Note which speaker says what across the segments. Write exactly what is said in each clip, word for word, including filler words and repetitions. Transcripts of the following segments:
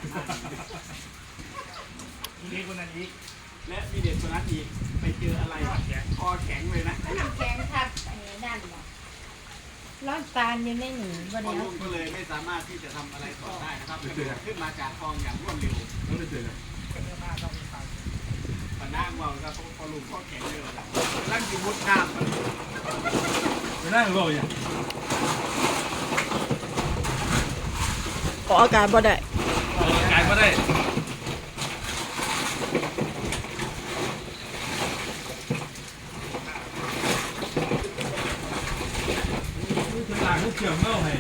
Speaker 1: มีเด็กคนนั้นอีก
Speaker 2: และมีเด็กคนนั้นอีกไปเจออะไรคอแข็งเลยนะ
Speaker 3: น้ำแข็งทับไอ้นั่นหรอร้อนตาลอยู่ในหนีบ่
Speaker 2: พ่อ
Speaker 3: เดียว
Speaker 2: ลุงก็เลยไม่สามารถที่จะทำอะไรต่อได้นะครับขึ้นมาจากคลองอย่างรวดเร็ว
Speaker 4: ต้องไปเจอกัน
Speaker 2: ปนั่งว่าครับพอลุงข้อแข็งเลยล่ะร่างกินมุดน้ำ
Speaker 4: ไม่น่ารู้อย่าง
Speaker 5: ออกอาการบ่ได้
Speaker 4: กายก็ได้ถึงหลังเกี่ยวเงาให้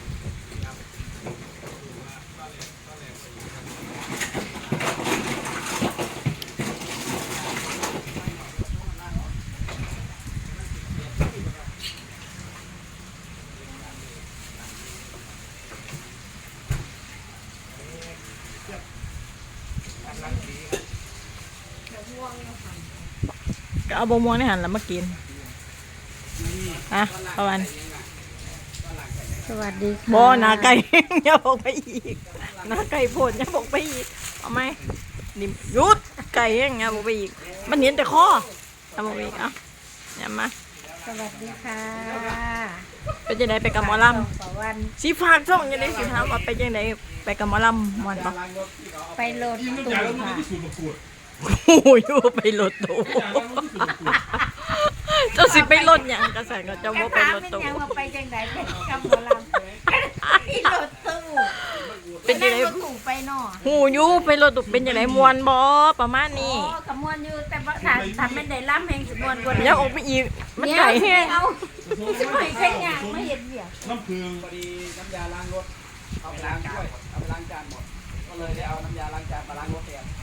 Speaker 5: ก็เอาบะม่วงในหันแล้วมากินอ่ะประมาณ
Speaker 3: สวัสดีค่ะ
Speaker 5: บ่หนาไก่ อย่าบอกไปอีกหนาไก่โพดอย่าบอกไปอีกเอาไหมนี่หยุดไก่ยังอย่าบอกไปอีกมันเห็นแต่คออย่าบอกไปอีกเอ่ะอย่ามา
Speaker 3: สวัสดีค่ะ
Speaker 5: เป็นยังไงไปกับหมอล
Speaker 3: ต่อวัน
Speaker 5: ำสีฝากช่องยังไงสิถามว่าไปยังไงไปกับหมอลำมวนปะ
Speaker 3: ไปโหลด
Speaker 4: ยิ่ง
Speaker 3: ตู้
Speaker 4: ใหญ่แล้วมัน
Speaker 3: ค่ะ
Speaker 4: ที่สุดประกวด
Speaker 5: โอ้ยไปรถตู้
Speaker 4: ใหญ่แล้วมันที่สุดประกวด
Speaker 5: เจ้าสิไปรถหยังกระแสก็จะ
Speaker 3: กระ
Speaker 5: ว่าไป
Speaker 3: ถาม
Speaker 5: รถ
Speaker 3: เป็น
Speaker 5: ตู้
Speaker 3: ยังว่าไปจังไดไปกับหมอลำไปโหลดตู้
Speaker 5: เป็นยังไง
Speaker 3: นั่รถตู้ไปเนาะ
Speaker 5: หูอยูไปรถตู้เป็นยังไงมวนบอประมาณนี้
Speaker 3: โอ้กระมวลอยู่แต่ว่าถ้าถ้าไม่ได้ล่ำแห่งสิมวนกว่า
Speaker 5: อยังออกไปอีกมันไก่แห้ง
Speaker 3: เอาสิไปแค่ยางไม่เห็นเบีย
Speaker 4: น้ำพึ่ง
Speaker 2: พอดีน้ำยาล้างรถเอาไปล้างด้วยเอาไปล้างจานหมดก็เลยได้เอาน้ำยาล้างจานมาล้างรถแทน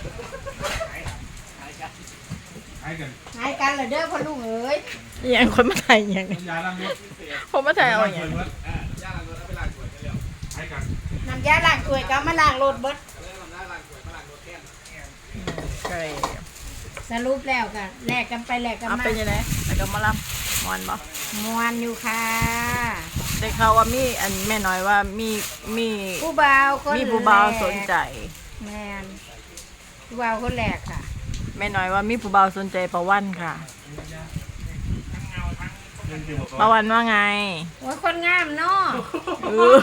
Speaker 2: หายกัน
Speaker 4: หายกัน
Speaker 3: หายกันเหรอเด้อพ่อลุงเอ้ย
Speaker 5: อหย่างคนมาถ่ายอหย่างนี้
Speaker 4: น้ำยาล้างรถ
Speaker 5: ผมมาถ่ายเอาอย่าง
Speaker 4: เงิ
Speaker 5: นี้
Speaker 4: น
Speaker 2: อ่าย่าล้างรถเอาไปล้างถ้วยกันแล้ว
Speaker 4: หายกัน
Speaker 3: น้ำยาล้างถ้วยก็เอามาล้างรถเบิด
Speaker 2: เลยทำได้ล้างถ้วยมาล้างรถแทน
Speaker 5: ไก่
Speaker 3: สรุปแล้วกันแลกกันไปแลกกัน
Speaker 5: เอา
Speaker 3: มา
Speaker 5: เป็นยังไงไปกับหมอลำมวนบอ
Speaker 3: มวนอยู่ค่ะ
Speaker 5: ได้ข่าวว่ามีอันแม่น้อยว่ามีมี
Speaker 3: ผู้บ่าวคน
Speaker 5: มีผู้บ่าวสนใจ
Speaker 3: แมนผู้บ่าวคนแรกค่ะ
Speaker 5: แม่น้อยว่ามีผู้บ่าวสนใจประวันค่ะ
Speaker 4: เงินเกี่ยวกับ
Speaker 5: ประวันว่าไง
Speaker 3: โอ้ยคนงามเนาะ
Speaker 5: เออ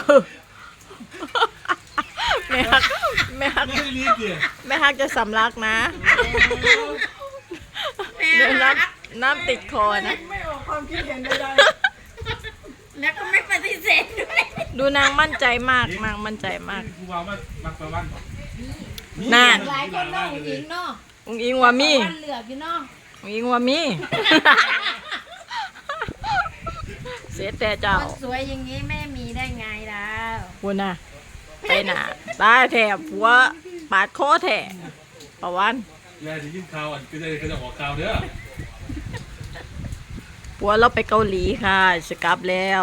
Speaker 5: แม่ฮักแม่ฮัก
Speaker 4: ไม่ได้รีบดิ
Speaker 5: แม่ฮักจะสำลักนะเดี๋ยวน้ำน้ำติดคอนะ
Speaker 3: ไม่ออกความคิดเห็นใดๆแล้วก็ไม่ปฏิเสธด้วย
Speaker 5: ดูนางมั่นใจมากนางมั่นใจมาก
Speaker 4: กูว่ามันมักประวัน
Speaker 5: น่า
Speaker 3: หลายคนเนาะผู้หญิงเนาะ
Speaker 5: อุ้งอิงว่ามี
Speaker 3: วันเหลือกอยู่เนาะ
Speaker 5: อุ้งอิงว่ามี เสียแต่เจ้า
Speaker 3: คนสวยอย่างนี้ไม่มีได้ไงแล้ว
Speaker 5: คุณน่ะไปหนาตาแถบหัวปาดคอแถบประวัน
Speaker 4: ยายจะยินข่าวอันก็จะก็จะออกข่าวเด้อ
Speaker 5: ผัวเราไปเกาหลีค่ะจะกลับแล้ว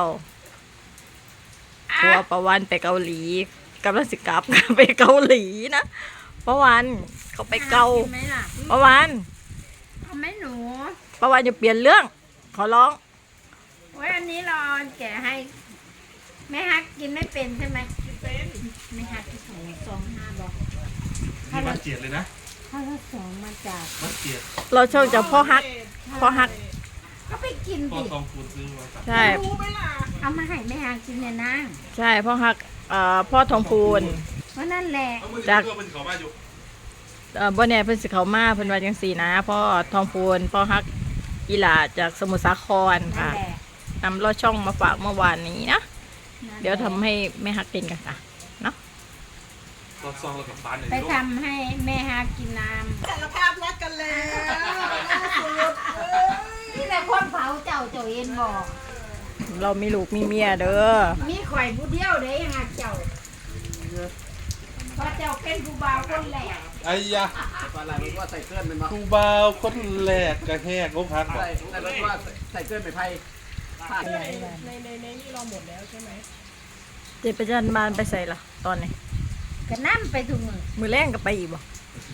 Speaker 5: ผัวประวันไปเกาหลีกำลังสิกลับ ไปเกาหลีนะประวันเขาไปเกา
Speaker 3: กินไหมล่ะ
Speaker 5: ประวัน
Speaker 3: เอาไหมหนู
Speaker 5: ประวันอย่าเปลี่ยนเรื่องขอร้อง
Speaker 3: โอ้ยอันนี้รอแกะให้แม่ฮักกินไม่เป็นใช่ไหมกินเป็นแม่ฮักที่สองสองห้าบอก
Speaker 4: มีวัดเจียดเลยนะ
Speaker 3: ถ้าเราสองมาจาก
Speaker 4: วัดเจียด
Speaker 5: เราเช่าจากพ่อฮักพ่อฮัก
Speaker 3: ก็ไปกิน
Speaker 4: พ่อ
Speaker 3: ดิ
Speaker 4: ทองคูณซื้อมา
Speaker 5: ใช่
Speaker 3: เอามาให้แม่ฮักกินเนี่ยนะ
Speaker 5: ใช่พ่อฮักเอ่อพ่อทองพูน
Speaker 3: เพราะนั่นแหละ
Speaker 5: จาก
Speaker 4: เพื่อเป็นเขาบ้านอยู่
Speaker 5: เอ่อบ่แน่เพิ่นสิเขามาเพิ่นว่าจังซี่นะพ่อทองพูนพ่อฮักอีหลาจากสมุทรสาคร
Speaker 3: นั่
Speaker 5: ค่ะ
Speaker 3: นแหละ
Speaker 5: นำลอดช่องมาฝากเมื่อวานนี้นะ
Speaker 3: นั่นแหละ
Speaker 5: เดี๋ยวทำให้แม่ฮักกินกันค่ะเนาะ
Speaker 4: ตอนซองเรากับปานเลย
Speaker 3: ไปทำให้แม่ฮักกินน้ำ
Speaker 6: สารภาพรักกันแล้ว
Speaker 3: นี่แหละคนเผาเจ้าเจ้าเอ็นบอก
Speaker 5: เรามีลูกมีเมียเด้อ
Speaker 3: มีข่อยผู้เดียวเด้ยังฮักเจ้าเพราะเจ้าเป็นผู้บ่าวคนแรก
Speaker 4: ไอ้ยะ
Speaker 2: ปลาไหลมันว่าใส่เกลือนเป็นมา
Speaker 4: กูบ่าวคนแรกกระแหกงบพักบอก
Speaker 2: ใส่ใส่รถว่าใส่เกลือนไปไพ่พลาด
Speaker 6: ในในในนี่เราหมดแล้วใช่ไหม
Speaker 5: เจ็บประจันบานไปใส่ละตอนนี้
Speaker 3: ก็นั่ไปถุงมือ
Speaker 5: มือแรงก็ไปอีกบ่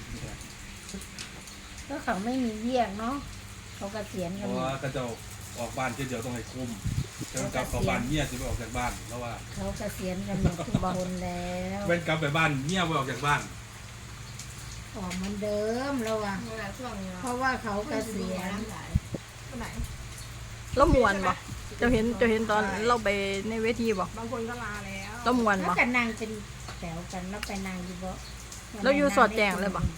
Speaker 3: ก็เขาไม่มีเยี่ยงเนาะเขาเกษียณ
Speaker 4: เพ
Speaker 3: กัน
Speaker 4: ราะ
Speaker 3: หม
Speaker 4: ว่า
Speaker 3: ด
Speaker 4: ก็จะออกบ้านเที่ยวเดียวต้องให้คุ้มจะกลับเข้าบ้านเมียสิไปออกจากบ้านแล้วว่า
Speaker 3: เขาเกษียณกันหมดทุกคนแล้ว
Speaker 4: เป็นกลับไปบ้านเมียไปออกจากบ้าน
Speaker 3: ออกเหมือนเดิมแล้วอ่ะเพราะว่าเขาเกษียณ
Speaker 6: คนไหน
Speaker 5: แล้วมวนบ่เจะเห็นเจะเห็นตอนเราไปในเวทีบ่
Speaker 6: บางคนก็ลาแล้ว
Speaker 5: แล้วมวน
Speaker 3: แล้ว
Speaker 5: บ่
Speaker 3: กันนางเป็นแถวกันแล้วไปนางอยู่บ่
Speaker 5: แล้วอยู่สอดแจ้งเลยบ่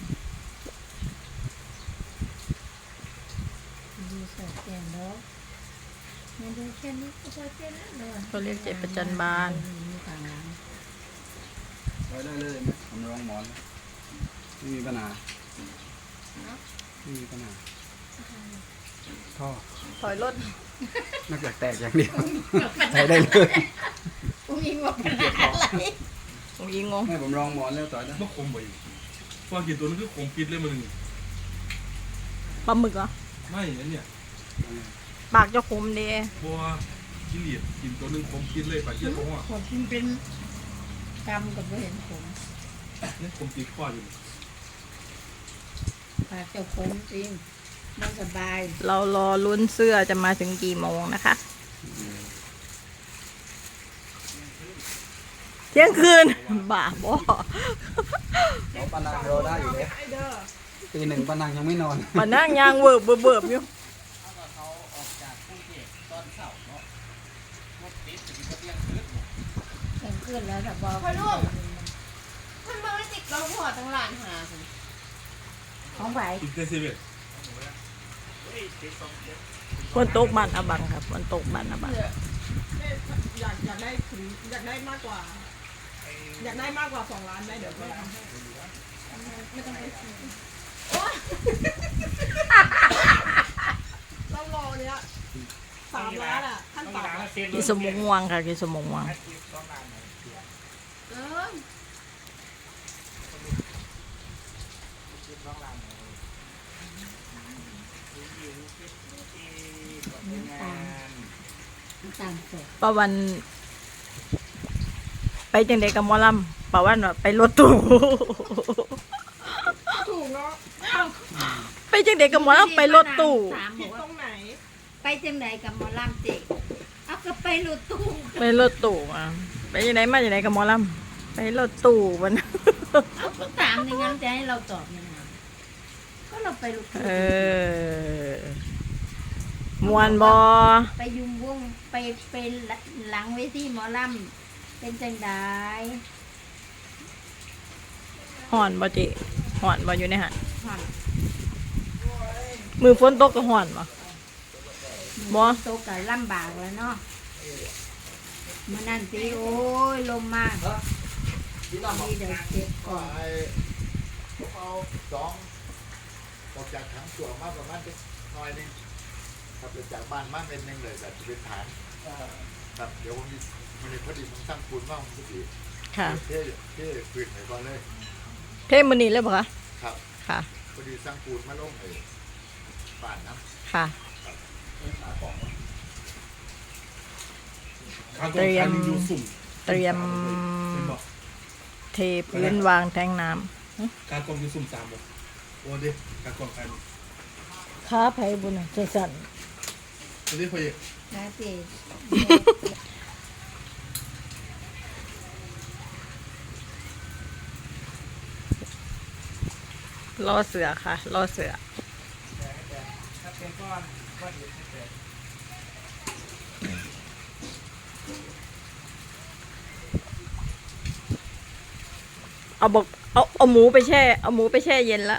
Speaker 3: อยู่สอดแจ้งแล้วมันดูแค่นี้ก็พอแค่นั้นเลย
Speaker 5: เขาเรียกเจ็บประจันบาน
Speaker 3: มีทางหลัง
Speaker 2: ไว้ได้เลยไหมผมรองหมอนไม่มีปัญหาไม่มีปัญหาท่อ
Speaker 5: ถอยรถ
Speaker 2: นอกจากแตกอย่างเดียวใช้ได้เลย
Speaker 3: อุ้งอิงว่าปัญหาอะไร
Speaker 5: ผมยิงงง
Speaker 2: ให้ผมรองหมอนแล้วต่อยได้
Speaker 4: มันคมไปพอกินตัวนึงคือคมปิดเลยมัน
Speaker 5: ปลาหมึกเหรอ
Speaker 4: ไม่อันเนี่ย
Speaker 5: ปากเจะคมเด้
Speaker 4: บัวกินเหลียดกินตัวนึงคมปิดเลยปากเยี่ยเขาว่า
Speaker 3: ผมกินเป็นกรรมกับไม่เห็นผม
Speaker 4: นี่คมปิดข้ออยู่
Speaker 3: ปากเจ้าผมจริงไม่สบาย
Speaker 5: เรารอลุ้นเสื้อจะมาถึงกี่โมงนะคะ เที่ยงคืน บ้าบอ
Speaker 2: เขาปานางรอได้อยู่เลย
Speaker 6: ไอเด้อ
Speaker 2: ตีหนึ่งปานางยังไม่นอน
Speaker 5: มานั่งยางเวิร์บเวิร์บเวิร์บอยู่
Speaker 2: เขาออกจากกรุงเทพตอนเช้าเนาะรถติดถึงเที่ยงคืน
Speaker 3: เห็นขึ้นแล้วแต่บอก
Speaker 6: พ่อลูกท่านมาไม่ติดเราหัวตั้งหลานหาสิ
Speaker 3: ของไหว
Speaker 4: กินเตเซเว่น
Speaker 5: ฝนตกบ้านอาบังครับฝนตกบ้านอาบัง
Speaker 6: อยากอยากได้ถึงอยากได้มากกว่า อยากได้มากกว่าสองล้านได้เดี๋ยวแม่ทำให้ไม่ต้องไปซื้อโอ๊ยเรารอเนี้ยสามล้านอ่ะขั้น
Speaker 1: ต้อง
Speaker 6: ต่ำ
Speaker 1: ล้าง
Speaker 6: อะ
Speaker 1: เซ็น
Speaker 5: กินสมงวงค่ะกินสมงวง
Speaker 1: ต้องล้างไหน
Speaker 6: เออ
Speaker 1: ต้องล้างไหน
Speaker 3: น้ำตาลสด
Speaker 5: ป้าวัน ไปจังเด็กกับหมอลำป้าวันว่าไปรถตู้
Speaker 6: ถูกเนาะ
Speaker 5: ไปจังเด็กกับหมอลำไปรถตู้
Speaker 3: ถามบ
Speaker 6: ผิ
Speaker 3: อ
Speaker 6: ด
Speaker 3: ก
Speaker 6: ตร
Speaker 3: ว่าง
Speaker 6: ไหน
Speaker 3: ไปจังไหนกับหมอลำเจกเอาก็ไปรถตู้
Speaker 5: ไปรถตู้มาไปจังไหนมาจังไหนกับหมอลำไปรถตู้วัน
Speaker 3: เอาก็ถามอย่างนั้นจะให้เราตอบยังไงก็เราไปรถตู้
Speaker 5: เออมวนบอ
Speaker 3: ไปยุมวงไปไปหลังเวทีหมอลำเป็นจังได
Speaker 5: ห่อนบอจิห่อนบออยู่ในหัน
Speaker 3: ผ่อน
Speaker 5: มือฝนตกก็ห่อนบอ บ่
Speaker 3: โตกับลำบากแล้วเนาะมันนั่นสิโอ้ยลมมากนี่เดี๋ยวเก็บก่อน
Speaker 7: เอาสองออกจากถังส่วนมากประมาณจะหน่อยหนึงครับเดี๋ยวจากบ้านมาเป็นหนึ่งเลยแบบจะเป็นฐานครับเดี๋ยวผมมีมันพอดีผมสร้างปูนว่างพอดี
Speaker 5: ค่ะ
Speaker 7: เท่เท่พื้นไหนก่อนเลย
Speaker 5: เทมันนี่เลยปะคะ
Speaker 7: ครับ
Speaker 5: ค่ะ
Speaker 7: พอดีสร้างปูนมาลงเลยบ้านนะ
Speaker 5: ค่ะ
Speaker 4: ข้าวกล่องคันนึงอยู่สุ่ม
Speaker 5: เตรียม
Speaker 4: เป็นบอก
Speaker 5: เทพื้นวางแทงน้
Speaker 4: ข้าวกล่องอยู่สุ่มสามบอกโอ้เด็กข้าวกล่องคัน
Speaker 5: ำค้าไผ่บุญใจสั่น
Speaker 4: จะได้พอเอก
Speaker 3: นะสิ
Speaker 5: รอเสือค่ะ รอเสือ
Speaker 1: ถ้าเป็นก้อนก้อนเดียวเสร็จ
Speaker 5: เอาบอกเอาเอาหมูไปแช่ เอาหมูไปแช่เย็นละ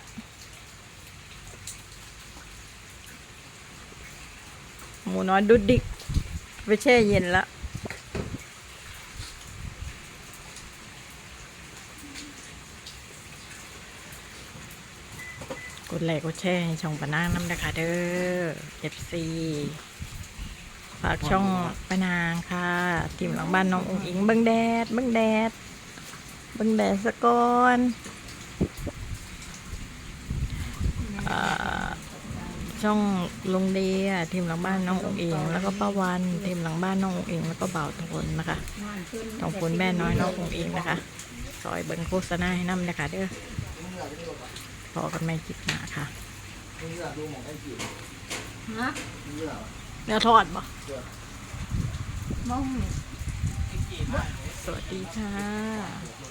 Speaker 5: หมูน้อยดุดดิกไปแช่เย็นละกดไลค์กดแชร์ให้ช่องปะนางน้ำนะคะเด้อ เอฟ ซี ฝากช่องปะนางค่ะทีมหลังบ้านน้ององอิงเบิ้งแดดเบิ้งแดดเบิ้งแดดสะก่อนอ่าช่องลุงเดียทีมหลังบ้านน้ององอิงแล้วก็ป้าวันทีมหลังบ้านน้ององอิงแล้วก็บ่าวทนนะคะ
Speaker 3: นอนขึ้น
Speaker 5: ต้องคุณแม่น้อยน้ององอิงนะคะซอยเบิ้งโฆษณาให้น้ำนะคะเด้อพอกันไม่คิดหนาค่ะ
Speaker 3: ฮะ
Speaker 5: เนื้อทอดบ่
Speaker 3: มอง
Speaker 5: สวัสดีค่ะ